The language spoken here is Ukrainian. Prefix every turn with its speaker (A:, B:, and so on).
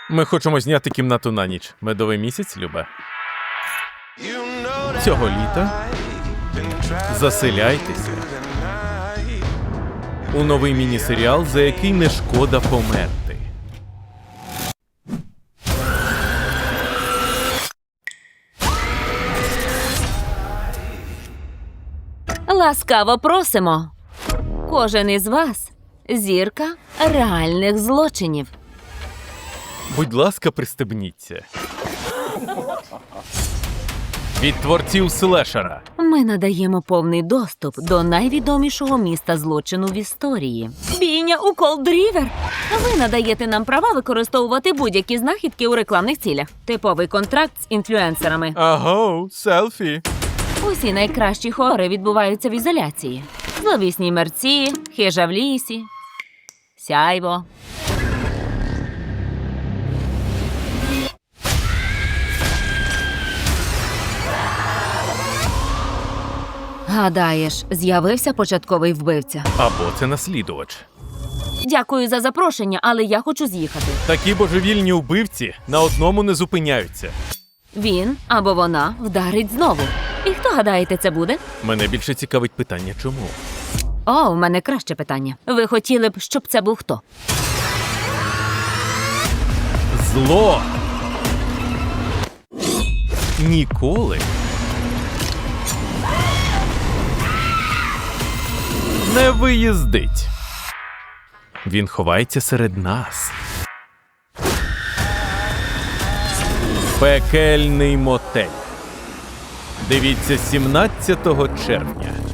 A: Ми хочемо зняти кімнату на ніч. Медовий місяць, Любе. Цього літа заселяйтеся у новий міні-серіал, за який не шкода померти.
B: Ласкаво просимо. Кожен із вас – зірка реальних злочинів.
A: Будь ласка, пристебніться. Від творців слешера.
B: Ми надаємо повний доступ до найвідомішого міста злочину в історії. Бійня у Колд-Рівер. Ви надаєте нам права використовувати будь-які знахідки у рекламних цілях. Типовий контракт з інфлюенсерами.
A: Аго, селфі.
B: Усі найкращі хори відбуваються в ізоляції. Зловісні мерці, хижа в лісі, сяйво. Гадаєш, з'явився початковий вбивця?
A: Або це наслідувач.
B: Дякую за запрошення, але я хочу з'їхати.
A: Такі божевільні вбивці на одному не зупиняються.
B: Він або вона вдарить знову. І хто, гадаєте, це буде?
A: Мене більше цікавить питання, чому?
B: О, у мене краще питання. Ви хотіли б, щоб це був хто?
A: Зло ніколи не виїздить. Він ховається серед нас. Пекельний мотель. Дивіться 17 червня.